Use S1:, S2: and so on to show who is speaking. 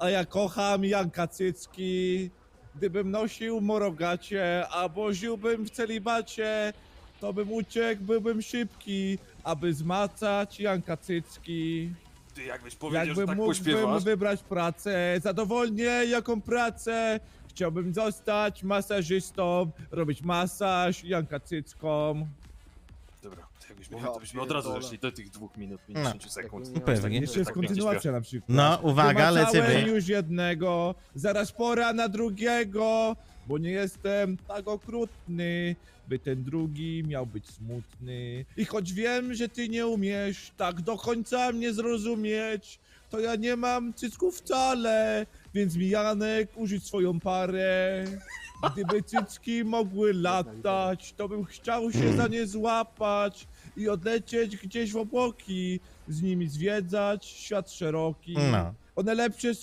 S1: A ja kocham Janka Cycki. Gdybym nosił morogacie, albo żyłbym w celibacie, to bym uciekł, byłbym szybki, aby zmacać Janka Cycki.
S2: Ty jakbyś powiedział, że
S1: Jakbym
S2: tak
S1: mógłbym
S2: pośpiewasz.
S1: wybrać pracę, zadowolnie jaką pracę, chciałbym zostać masażystą, robić masaż Janka Cyckom.
S2: Dobra, to jakbyś mówił, to byśmy od razu zeszli do tych 2 minut,
S3: No.
S2: 50 sekund.
S3: No pewnie.
S1: Jeszcze jest
S2: tak pięknie
S1: kontynuacja na przykład.
S3: No, uwaga,
S1: Wymacałem
S3: lecimy.
S1: już jednego, zaraz pora na drugiego, bo nie jestem tak okrutny, by ten drugi miał być smutny. I choć wiem, że ty nie umiesz tak do końca mnie zrozumieć, to ja nie mam cycków wcale, więc mi Janek użyć swoją parę. Gdyby cycki mogły latać, to bym chciał się za nie złapać i odlecieć gdzieś w obłoki, z nimi zwiedzać świat szeroki.
S3: No.
S1: One lepsze